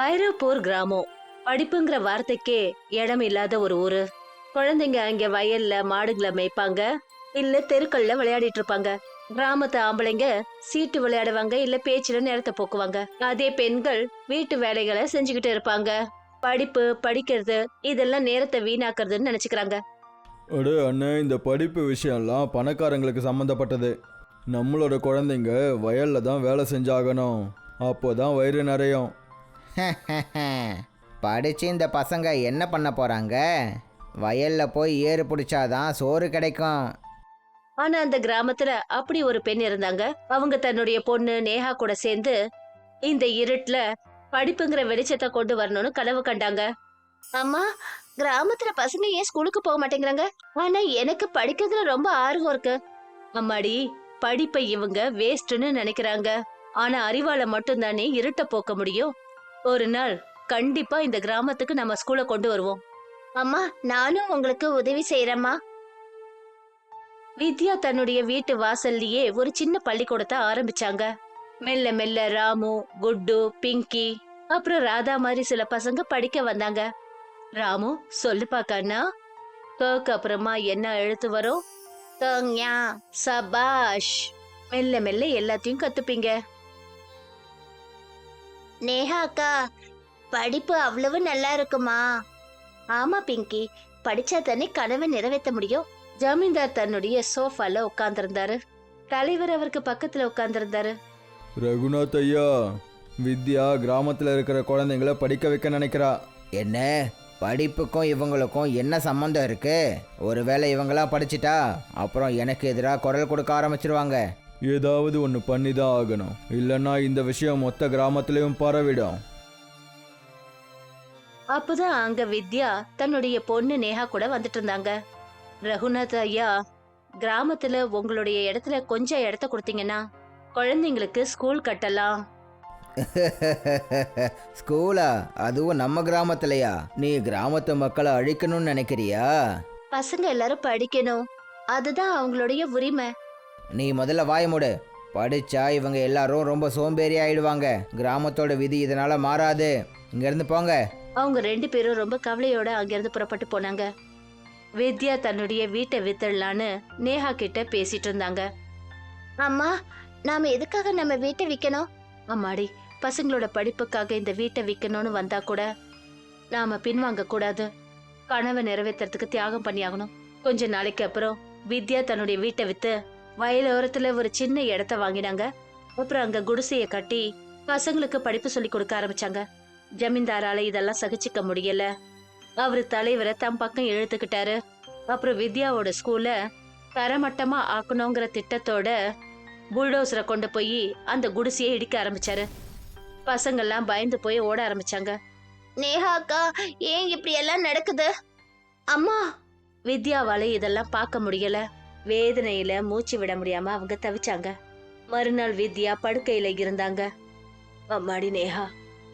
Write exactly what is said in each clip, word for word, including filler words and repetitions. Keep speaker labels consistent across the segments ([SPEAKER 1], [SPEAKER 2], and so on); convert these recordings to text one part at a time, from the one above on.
[SPEAKER 1] ஐரோப்பூர் கிராமம் படிப்புங்கிற வார்த்தைக்கே இடம் இல்லாத ஒரு ஊரு. குழந்தைங்க அங்க வயல்ல மாடுகளை மேய்ப்பாங்க, இல்ல தெருக்கள்ல விளையாடிட்டு இருப்பாங்க. கிராமத்து ஆம்பளைங்க சீட்டு விளையாடுவாங்க, இல்ல பேச்சுல நேரத்தை போக்குவாங்க. அதே பெண்கள் வீட்டு வேலைகளை செஞ்சுக்கிட்டு இருப்பாங்க. படிப்பு படிக்கிறது இதெல்லாம் நேரத்தை வீணாக்குறதுன்னு நினைச்சுக்கிறாங்க.
[SPEAKER 2] அடே அண்ணே, இந்த படிப்பு விஷயம்லாம் பணக்காரங்களுக்கு சம்மந்தப்பட்டது. நம்மளோட குழந்தைங்க வயல்ல தான் வேலை செஞ்சாகணும், அப்போதான் வயிறு நிறையும்.
[SPEAKER 3] படித்து இந்த பசங்க என்ன பண்ண போகிறாங்க? வயலில் போய் ஏறு பிடிச்சாதான் சோறு கிடைக்கும்.
[SPEAKER 1] ஆனா அந்த கிராமத்துல அப்படி ஒரு பெண் இருந்தாங்க. அவங்க தன்னுடைய பொண்ணு நேஹா கூட சேர்ந்து இந்த இருட்டுல படிப்புங்கிற வெளிச்சத்தை கொண்டு வரணும்னு கனவு கண்டாங்க. அம்மா, கிராமத்துல பசங்க ஏன் ஸ்கூலுக்கு போக மாட்டேங்கிறாங்க? ஆனா எனக்கு படிக்கிறதுல ரொம்ப ஆர்வம் இருக்கு. அம்மாடி, படிப்பை இவங்க வேஸ்ட்னு நினைக்கிறாங்க. ஆனா அறிவால மட்டும் தானே இருட்ட போக்க முடியும். ஒரு நாள் கண்டிப்பா இந்த கிராமத்துக்கு நம்ம ஸ்கூலை கொண்டு வருவோம். அம்மா, நானும் உங்களுக்கு உதவி செய்யறேம்மா. வித்யா தன்னுடைய வீட்டு வாசல்லையே ஒரு சின்ன பள்ளிக்கூடத்தை ஆரம்பிச்சாங்க. மெல்ல மெல்ல ராமு, குட்டு, பிங்கி அப்புறம் ராதா மாதிரி சில பசங்க படிக்க வந்தாங்க. ராமு, சொல்லுப்பா கண்ணா. கக்கு அப்புறமா என்ன எழுத்து வரும்? தங்யா. சபாஷ். மெல்ல மெல்ல எல்லாத்தையும் கத்துப்பீங்க. நேஹா அக்கா, படிப்பு அவ்வளவு நல்லா இருக்குமா? ஆமா பிங்கி, படிச்சா தானே கனவை நிறைவேற்ற முடியும். ஜமீன்தார் தன்னுடைய சோஃபால உட்கார்ந்திருந்தாரு. தலைவர் அவருக்கு பக்கத்துல உட்கார்ந்திருந்தாரு.
[SPEAKER 2] ரகுநாத் ஐயா, வித்யா கிராமத்தில் இருக்கிற குழந்தைங்கள படிக்க வைக்க நினைக்கிறா.
[SPEAKER 3] என்ன, படிப்புக்கும் இவங்களுக்கும் என்ன சம்மந்தம் இருக்கு? ஒருவேளை இவங்களாம் படிச்சிட்டா அப்புறம் எனக்கு எதிராக குரல் கொடுக்க ஆரம்பிச்சிருவாங்க.
[SPEAKER 2] ஏதாவது ஒன்று பண்ணி தான் ஆகணும், இல்லைன்னா இந்த விஷயம் மொத்த கிராமத்திலையும் பரவிடும்.
[SPEAKER 1] அப்பதான் அங்க வித்யா தன்னுடைய பொண்ணு நேஹா கூட வந்துட்டு இருந்தாங்க. ரகுநாத் ஐயா, கிராமத்துல உங்களுடைய இடத்துல கொஞ்சம் இடத்த கொடுத்தீங்கன்னா குழந்தைங்களுக்கு ஸ்கூல் கட்டலாம்.
[SPEAKER 3] ஸ்கூலா? அதுவும் நம்ம கிராமத்துலயா? நீ கிராமத்து மக்களை அழிக்கணும்னு நினைக்கிறியா?
[SPEAKER 1] பசங்க எல்லாரும் படிக்கணும், அதுதான் அவங்களுடைய உரிமை.
[SPEAKER 3] நீ முதல்ல வாய மூடு. படிச்சா இவங்க எல்லாரும் ரொம்ப சோம்பேறி ஆயிடுவாங்க. கிராமத்தோட விதி இதனால மாறாது. இங்கிருந்து போங்க.
[SPEAKER 1] அவங்க ரெண்டு பேரும் ரொம்ப கவலையோட அங்கிருந்து புறப்பட்டு போனாங்க. வித்யா தன்னுடைய வீட்டை வித்துடலான்னு நேஹா கிட்ட பேசிட்டு இருந்தாங்க. அம்மா, நாம எதுக்காக நம்ம வீட்டை விற்கணும்? அம்மாடி, பசங்களோட படிப்புக்காக இந்த வீட்டை விற்கணும்னு வந்தா கூட நாம பின்வாங்க கூடாது. கனவை நிறைவேற்றுறதுக்கு தியாகம் பண்ணியாகணும். கொஞ்ச நாளைக்கு அப்புறம் வித்யா தன்னுடைய வீட்டை வித்து வயலோரத்துல ஒரு சின்ன இடத்த வாங்கினாங்க. அப்புறம் அங்க குடிசைய கட்டி பசங்களுக்கு படிப்பு சொல்லி கொடுக்க ஆரம்பிச்சாங்க. ஜமீன்தாரால இதெல்லாம் சகிச்சுக்க முடியல. அவரு தலைவரை தம் பக்கம் இழுத்துக்கிட்டாரு. அப்புறம் வித்யாவோட ஸ்கூல்ல தரமட்டமா ஆக்கணுங்கிற திட்டத்தோட புல்டோசரை கொண்டு போய் அந்த குடிசையை இடிக்க ஆரம்பிச்சாரு. பசங்கள்லாம் பயந்து போய் ஓட ஆரம்பிச்சாங்க. நேஹா அக்கா, ஏன் இப்படி எல்லாம் நடக்குது? அம்மா, வித்யாவால இதெல்லாம் பார்க்க முடியல. வேதனையில மூச்சு விட முடியாம அவங்க தவிச்சாங்க. மறுநாள் வித்யா படுக்கையில இருந்தாங்க. அம்மாடி நேஹா,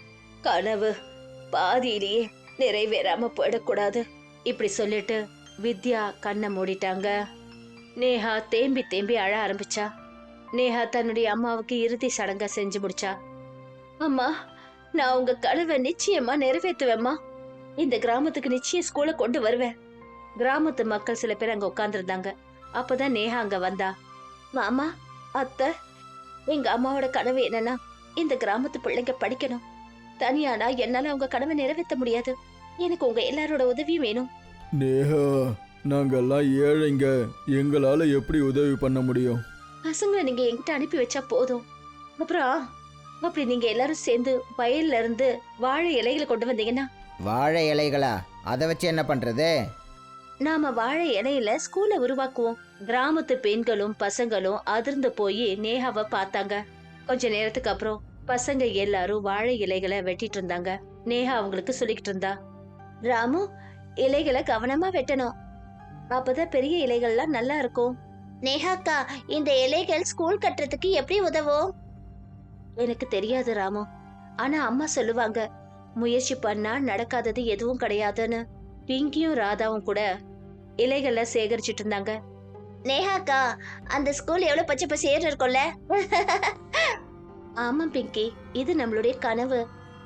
[SPEAKER 1] கனவு பாதியிலேயே நிறைவேறாம போயிடக்கூடாது. இப்படி சொல்லிட்டு வித்யா கண்ணை மூடிட்டாங்க. நேஹா தேம்பி தேம்பி அழ ஆரம்பிச்சா. நேஹா தன்னுடைய அம்மாவுக்கு இறுதி சடங்க செஞ்சு முடிச்சா. அம்மா, நான் உங்க கனவை நிச்சயமா நிறைவேற்றுவேம்மா. இந்த கிராமத்துக்கு நிச்சயம் ஸ்கூலை கொண்டு வருவேன். கிராமத்து மக்கள் சில பேர் அங்க உட்கார்ந்துருந்தாங்க. அப்பதான் நேஹா அங்க வந்தா. மாமா, அத்தை, எங்க அம்மாவோட கனவு என்னன்னா இந்த கிராமத்து பிள்ளைங்க படிக்கணும். தனியானா என்னால உங்க கனவை நிறைவேற்ற முடியாது. எனக்கு உங்க எல்லாரோட உதவியும் வேணும்.
[SPEAKER 2] நேஹா, நாங்கெல்லாம் ஏழைங்க, எங்களால எப்படி உதவி பண்ண முடியும்?
[SPEAKER 1] பசங்களை நீங்க என்கிட்ட அனுப்பி வச்சா போதும். அப்புறம் அப்படி நீங்க எல்லாரும் சேர்ந்து வயல்ல இருந்து வாழை இலைகளை கொண்டு வந்தீங்கன்னா.
[SPEAKER 3] வாழை இலைகளா? அதை வச்சு என்ன பண்றது?
[SPEAKER 1] நாம வாழை இலையில ஸ்கூலை உருவாக்குவோம். கிராமத்து பெண்களும் பசங்களும் அதிர்ந்து போய் நேஹாவை பார்த்தாங்க. கொஞ்ச நேரத்துக்கு அப்புறம் பசங்க எல்லாரும் வாழை இலைகளை வெட்டிட்டு இருந்தாங்க. நேஹா அவங்களுக்கு சொல்லிக்கிட்டு இருந்தா. ராமு, இலைகளை கவனமா வெட்டணும், அப்பதான் பெரிய இலைகள்லாம் நல்லா இருக்கும். நேஹாக்கா, இந்த இலைகள் ஸ்கூல் கட்டுறதுக்கு எப்படி உதவும்? எனக்கு தெரியாது ராமு, ஆனா அம்மா சொல்லுவாங்க முயற்சி பண்ணா நடக்காதது எதுவும் கிடையாதுன்னு. பிங்கியும் ராதாவும் கூட இலைகளை சேகரிச்சிட்டு இருந்தாங்க. நேஹாக்கா, அந்த ஸ்கூல் எவ்வளவு பச்சை பசேர்னு இருக்கும்ல? ஆமா பிங்கி, இது நம்மளுடைய கனவு.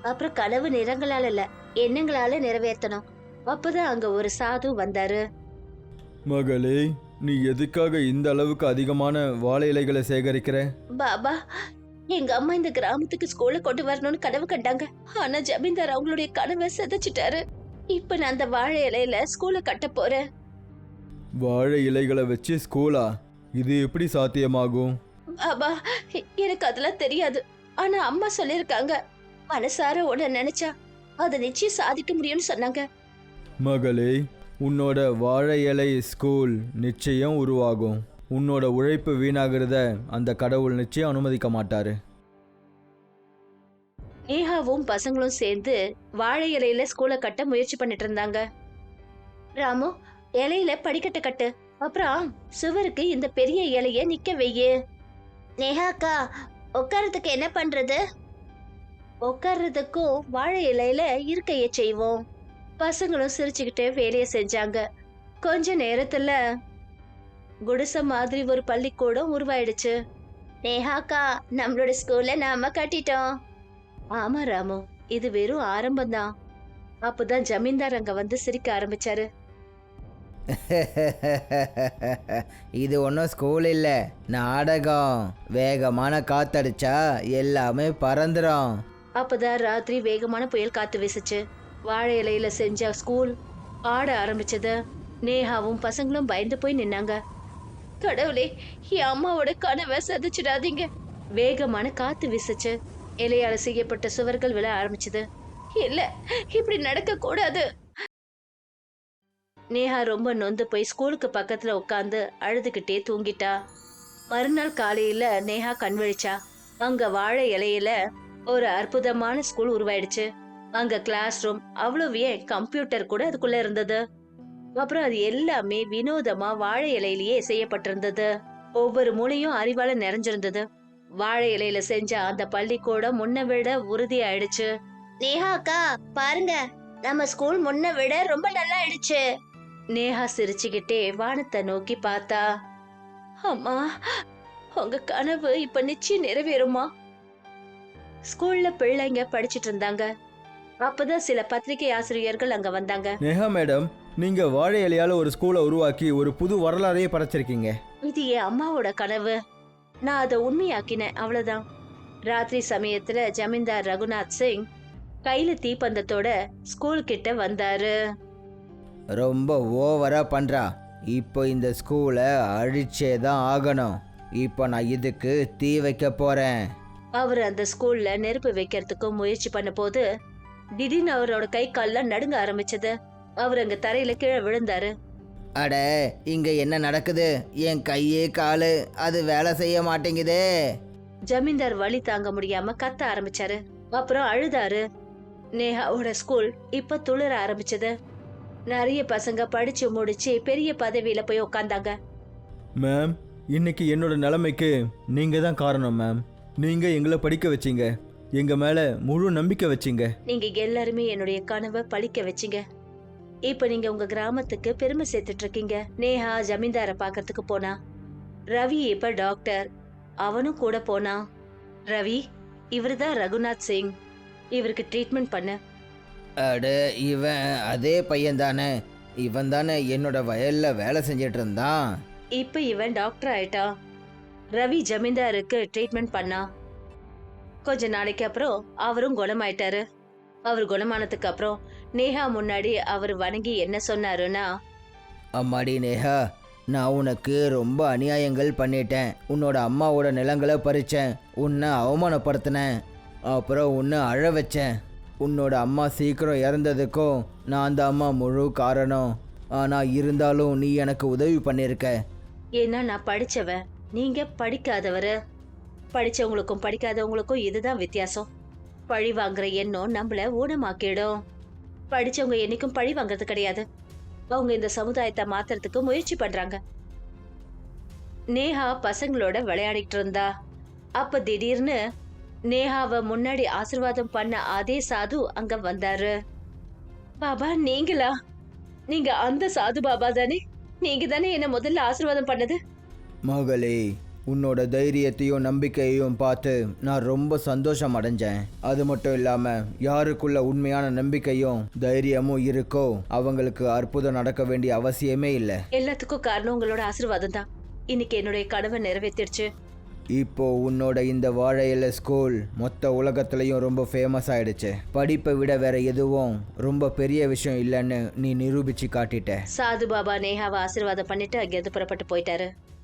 [SPEAKER 1] அப்புறம் கனவு நிறங்களால இல்ல, எண்ணங்களால நிறைவேற்றணும். அப்பதான் அங்க ஒரு சாது வந்தாரு.
[SPEAKER 2] மகளே, நீ எதுக்காக இந்த அளவுக்கு அதிகமான வாழை இலைகளை சேகரிக்கிற?
[SPEAKER 1] பாபா, எங்க அம்மா இந்த கிராமத்துக்கு ஸ்கூல்ல கொண்டு வரணும்னு கனவு கண்டாங்க. ஆனா ஜமீன்தார் அவங்களுடைய கனவை சிதைச்சிட்டாரு. இப்ப நான் அந்த வாழை இலையில ஸ்கூல கட்ட போறேன்.
[SPEAKER 2] வாழை இலைகளை வச்சு ஸ்கூலா? இது எப்படி சாத்தியமாகும்?
[SPEAKER 1] பாபா, எனக்கு அதெல்லாம் தெரியாது. ஆனா அம்மா சொல்லிருக்காங்க, மனசார உன்னை நினைச்சா அதை நிச்சயம் சாதிக்க முடியும்னு சொன்னாங்க.
[SPEAKER 2] மகளே, உன்னோட வாழை இலை ஸ்கூல் நிச்சயம் உருவாகும். உன்னோட உழைப்பு வீணாகிறத அந்த கடவுள் நிச்சயம் அனுமதிக்க மாட்டாரு.
[SPEAKER 1] நேஹாவும் பசங்களும் சேர்ந்து வாழை இலையில ஸ்கூலை கட்ட முயற்சி பண்ணிட்டு இருந்தாங்க. ராமு, இலையில படிக்கட்ட கட்டு, அப்புறம் சுவருக்கு இந்த பெரிய இலைய நிக்க வையு. நேஹாக்கா, உட்கார்றதுக்கு என்ன பண்றது? உட்கார்றதுக்கும் வாழை இலையில இருக்கைய செய்வோம். பசங்களும் சிரிச்சுக்கிட்டே வேலையை செஞ்சாங்க. கொஞ்ச நேரத்துல குடிசை மாதிரி ஒரு பள்ளிக்கூடம் உருவாயிடுச்சு. நேஹாக்கா, நம்மளோட ஸ்கூல்ல நாம கட்டிட்டோம். ஆமா ராமு, இது வெறும் ஆரம்பம்தான். அப்பதான் ஜமீன்தார் அங்க வந்து சிரிக்க ஆரம்பிச்சாரு.
[SPEAKER 3] இது ஒன்றும் ஸ்கூல் இல்லை, நாடகம். வேகமான காத்தடிச்சா எல்லாமே பறந்துடும்.
[SPEAKER 1] அப்பதான் ராத்திரி வேகமான புயல் காத்து வீசுச்சு. வாழை இலையில செஞ்ச ஸ்கூல் ஆட ஆரம்பிச்சது. நேஹாவும் பசங்களும் பயந்து போய் நின்னாங்க. கடவுளே, என் அம்மாவோட கனவை சதிச்சிடாதீங்க. வேகமான காத்து வீசுச்சு. இலையால செய்யப்பட்ட சுவர்கள் விழ ஆரம்பிச்சது. இல்ல, இப்படி நடக்க கூடாது. நேஹா ரொம்ப நொந்து போய் ஸ்கூலுக்கு பக்கத்துல உட்காந்து அழுதுகிட்டே தூங்கிட்டா. மறுநாள் காலையில நேஹா கண் விழிச்சா. அங்க வாழை இலையில ஒரு அற்புதமான ஸ்கூல் உருவாயிடுச்சு. அங்க கிளாஸ் ரூம், அவ்வளவு ஏன் கம்ப்யூட்டர் கூட அதுக்குள்ள இருந்தது. அப்புறம் அது எல்லாமே வினோதமா வாழை இலையிலேயே செய்யப்பட்டிருந்தது. ஒவ்வொரு மூலையும் அறிவால நிறைஞ்சிருந்தது. வாழை இலையில செஞ்ச அந்த பள்ளிக்கூடம் முன்ன விட உறுதி ஆயிடுச்சு. நேஹா அக்கா, பாருங்க, நம்ம ஸ்கூல் முன்ன விட ரொம்ப நல்லா ஆயிடுச்சு. நேஹா சிரிச்சுக்கிட்டே வானத்தை நோக்கி பார்த்தா. அம்மா, உங்க கனவு இப்ப நிச்சயம் நிறைவேறுமா? ஸ்கூல்ல பிள்ளைங்க படிச்சிட்டு இருந்தாங்க. அப்பதான் சில பத்திரிகை ஆசிரியர்கள் அங்க வந்தாங்க.
[SPEAKER 2] நேஹா மேடம், நீங்க வாழை இலையால ஒரு ஸ்கூலை உருவாக்கி ஒரு புது வரலாறையே படைச்சிருக்கீங்க.
[SPEAKER 1] இது என் அம்மாவோட கனவு. நான் அதை உண்மையாக்கினேன், அவ்வளவுதான். ராத்திரி சமயத்துல ஜமீன்தார் ரகுநாத் சிங் கையில தீப்பந்தத்தோட ஸ்கூல் கிட்ட வந்தாரு.
[SPEAKER 3] ரொம்ப ஓவரா பண்றா. இப்போ இந்த ஸ்கூலை அழிச்சே தான் ஆகணும். இப்போ நான் இதுக்கு தீ வைக்க போறேன்.
[SPEAKER 1] அவர் அந்த ஸ்கூல்ல நெருப்பு வைக்கிறதுக்கு முயற்சி பண்ண போது திடீர்னு அவரோட கை கால்லாம் நடுங்க ஆரம்பிச்சது. அவர் அங்க தரையில கீழே விழுந்தாரு.
[SPEAKER 3] அட, இங்க என்ன நடக்குது? என் கையே காலு அது வேலை செய்ய மாட்டேங்குதே.
[SPEAKER 1] ஜமீன்தார் வலி தாங்க முடியாம கத்த ஆரம்பிச்சாரு. அப்புறம் அழுதாரு. நேஹாவோட ஸ்கூல் இப்ப துளிர ஆரம்பிச்சது. நிறைய பசங்க படிச்சு முடிச்சு பெரிய பதவியில போய் உட்கார்ந்தாங்க.
[SPEAKER 2] மேம், இன்னைக்கு என்னோட நிலைமைக்கு நீங்க தான் காரணம் மேம். நீங்க எங்களை படிக்க வச்சீங்க, எங்க மேல முழு நம்பிக்கை வச்சீங்க.
[SPEAKER 1] நீங்க எல்லாருமே என்னுடைய கனவை பழிக்க வச்சீங்க. இப்ப நீங்க உங்க கிராமத்துக்கு பெருமை சேர்த்துட்டு இருக்கீங்க. நேஹா ஜமீன்தார பாக்கிறதுக்கு போனா. ரவி இப்ப டாக்டர், அவனும் கூட போனா. ரவி, இவருதான் ரகுநாத் சிங். இவருக்கு ட்ரீட்மெண்ட் பண்ண.
[SPEAKER 3] அட, இவன் அதே பையன் தானே? இவன் தானே என்னோட வயல்ல வேலை செஞ்சிட்டு இருந்தான்.
[SPEAKER 1] இப்ப இவன் டாக்டர் ஆயிட்டான். ரவி ஜமீன்தாருக்கு ட்ரீட்மெண்ட் பண்ணா. கொஞ்ச நாளைக்கு அப்புறம் அவரும் குணமாயிட்டாரு. அவர் குணமானதுக்கு அப்புறம் நேஹா முன்னாடி அவர் வணங்கி என்ன சொன்னாருன்னா,
[SPEAKER 3] அம்மாடி நேஹா, நான் உனக்கு ரொம்ப அநியாயங்கள் பண்ணிட்டேன். உன்னோட அம்மாவோட நிலங்களை பறிச்சேன், உன்னை அவமானப்படுத்தினேன், அப்புறம் உன்னை அழ வச்சேன். உன்னோட அம்மா சீக்கிரம் இறந்ததுக்கும் நான் அந்த அம்மா முழு காரணம். ஆனால் இருந்தாலும் நீ எனக்கு உதவி பண்ணியிருக்க.
[SPEAKER 1] ஏன்னா நான் படிச்சவன், நீங்க படிக்காதவரு. படிச்சவங்களுக்கும் படிக்காதவங்களுக்கும் இதுதான் வித்தியாசம். பழி வாங்குற எண்ணம் நம்மள ஊனமாக்கிடும். படிச்சவங்க என்னைக்கும் பழி வாங்குறது கிடையாது. அவங்க இந்த சமுதாயத்தை மாத்துறதுக்கு முயற்சி பண்றாங்க. நேஹா பசங்களோட விளையாடிட்டு இருந்தா. அப்ப திடீர்னு நேஹாவை முன்னாடி ஆசீர்வாதம் பண்ண அதே சாது அங்க வந்தாரு. பாபா, நீங்களா? நீங்க அந்த சாது பாபா தானே? நீங்க தானே என்ன முதல்ல ஆசீர்வாதம் பண்ணது?
[SPEAKER 2] மகளே,
[SPEAKER 3] உன்னோட தைரியத்தையும் நம்பிக்கையையும் பார்த்து நான் ரொம்ப சந்தோஷம் அடைஞ்சேன். அது மட்டும் இல்லாமல் யாருக்குள்ள உண்மையான நம்பிக்கையும் தைரியமும் இருக்கோ அவங்களுக்கு அற்புதம் நடக்க வேண்டிய அவசியமே இல்லை.
[SPEAKER 1] எல்லாத்துக்கும் காரணம் உங்களோட ஆசீர்வாதம் தான். இன்னைக்கு என்னுடைய கனவை நிறைவேற்றிடுச்சு.
[SPEAKER 3] இப்போ உன்னோட இந்த வாழை இலை ஸ்கூல் மொத்த உலகத்துலேயும் ரொம்ப ஃபேமஸ் ஆயிடுச்சு. படிப்பை விட வேற எதுவும் ரொம்ப பெரிய விஷயம் இல்லைன்னு நீ நிரூபிச்சு காட்டிட்ட.
[SPEAKER 1] சாது பாபா நேஹாவை ஆசீர்வாதம் பண்ணிட்டு அங்கிருந்து புறப்பட்டு போயிட்டாரு.